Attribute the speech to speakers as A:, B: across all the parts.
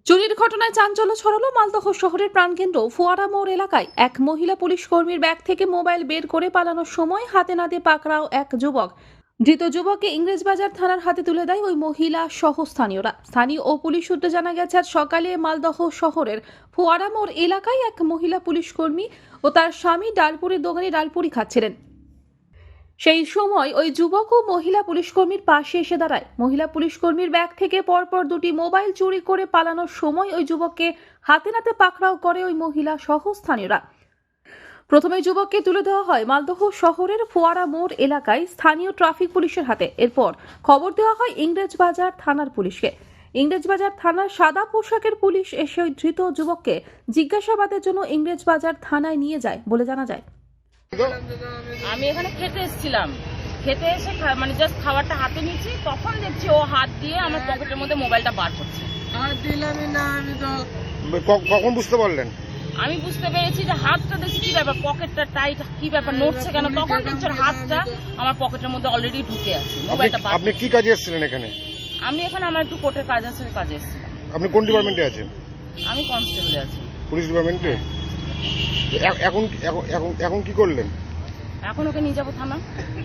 A: চুরির ঘটনায় চাঞ্চল্য ছড়ালো মালদহ শহরের প্রাণকেন্দ্র ফোয়ারা মোড় এলাকায়। এক মহিলা পুলিশ কর্মীর ব্যাগ থেকে মোবাইল বের করে পালানোর সময় হাতে নাতে পাকড়াও এক যুবক। ধৃত যুবককে ইংরেজবাজার থানার হাতে তুলে দেয় ওই মহিলা সহ স্থানীয়রা। স্থানীয় ও পুলিশ সূত্রে জানা গেছে, আজ সকালে মালদহ শহরের ফোয়ারা মোড় এলাকায় এক মহিলা পুলিশ কর্মী ও তার স্বামী ডালপুরির দোকানে ডালপুরি খাচ্ছিলেন। সেই সময় ওই যুবক ও মহিলা পুলিশকর্মীর পাশে এসে দাঁড়ায়। মহিলা পুলিশকর্মীর ব্যাগ থেকে পরপর দুটি মোবাইল চুরি করে পালানোর সময় ওই যুবককে হাতে নাতে পাকড়াও করে ওই মহিলা সহ স্থানীয়রা। প্রথমে যুবককে তুলে দেওয়া হয় মালদহ শহরের ফোয়ারা মোড় এলাকায় স্থানীয় ট্রাফিক পুলিশের হাতে। এরপর খবর দেওয়া হয় ইংরেজবাজার থানার পুলিশকে। ইংরেজবাজার থানার সাদা পোশাকের পুলিশ এসে ওই ধৃত যুবককে জিজ্ঞাসাবাদের জন্য ইংরেজবাজার থানায় নিয়ে যায় বলে জানা যায়।
B: আমি এখানে খেতে এসেছিলাম, খেতে এসে মানে জাস্ট খাবারটা হাতে নিয়েছি, তখন দেখছি ও হাত দিয়ে আমার পকেটের মধ্যে মোবাইলটা বার করছে।
C: কখন বুঝতে পারলেন?
B: আমি বুঝতে পেরেছি যে হাতটা দেখছি কি ব্যাপার, পকেটটা টাইট, কি ব্যাপার নড়ছে কেন, তখন দেখছি ওর হাতটা আমার পকেটের মধ্যে অলরেডি ঢুকে আছে। মোবাইলটা বার।
C: আপনি কি কাজে এসেছিলেন এখানে?
B: আমি এখানে আমার একটু কোর্টের কাজ আছে, কাজে এসেছিলাম।
C: আপনি কোন ডিপার্টমেন্টে আছেন?
B: আমি কনস্টেবলে আছি।
C: পুলিশ ডিপার্টমেন্টে? এখন এখন এখন এখন কি করলেন?
B: এখন ওকে নিয়ে যাবো থানা।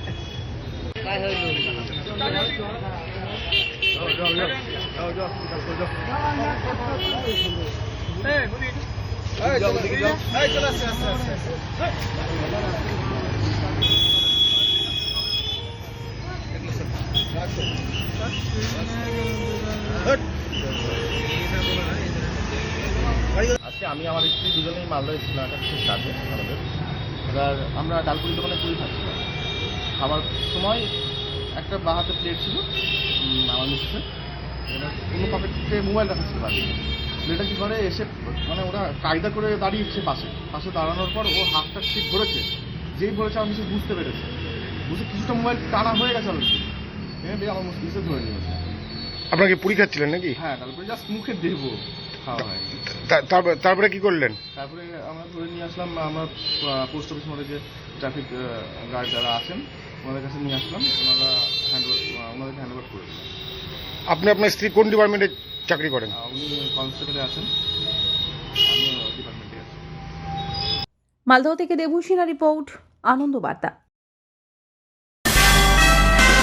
D: আজকে আমি আমার স্ত্রী দুজনেই মালদা এসেছিলাম একটা বিশেষ কাজে আমাদের। এবার আমরা ডালপুরি দোকানে পুরি খাচ্ছিলাম। খাবার সময় একটা বাঁ হাতে প্লেট ছিল আমার মিসেসের, এবার অন্য পকেটে মোবাইল রাখা ছিল বাড়ি। প্লেটটা কী করে এসে মানে ওরা কায়দা করে দাঁড়িয়েছে পাশে দাঁড়ানোর পর ও হাতটা ঠিক ধরেছে। যেই ধরেছে আমার মিসেস বুঝতে পেরেছে, বুঝে কিছুটা মোবাইল টানা হয়ে গেছে অলরেডি, এনে আমার মিসেস ধরে নিয়েছে।
C: আপনাকে পুরি খাচ্ছিলেন নাকি?
D: হ্যাঁ, ডালপুরি জাস্ট মুখে দেবো, খাওয়া হয়নি।
C: তারপরে কি করলেন?
D: তারপরে আমরা ধরে নিয়ে আসলাম, আমরা পোস্ট অফিস মোড়ে যে ট্রাফিক গার্ড যারা আছেন ওনাদের কাছে নিয়ে আসলাম, ওনাদেরকে হ্যান্ড ওভার করে দিলাম।
C: আপনি আপনার স্ত্রী কোন ডিপার্টমেন্টে চাকরি করেন?
D: উনি কনস্টেবলে আছেন, আমি ডিপার্টমেন্টে আছি।
A: মালদহ থেকে দেবুসিনা রিপোর্ট, আনন্দ বার্তা।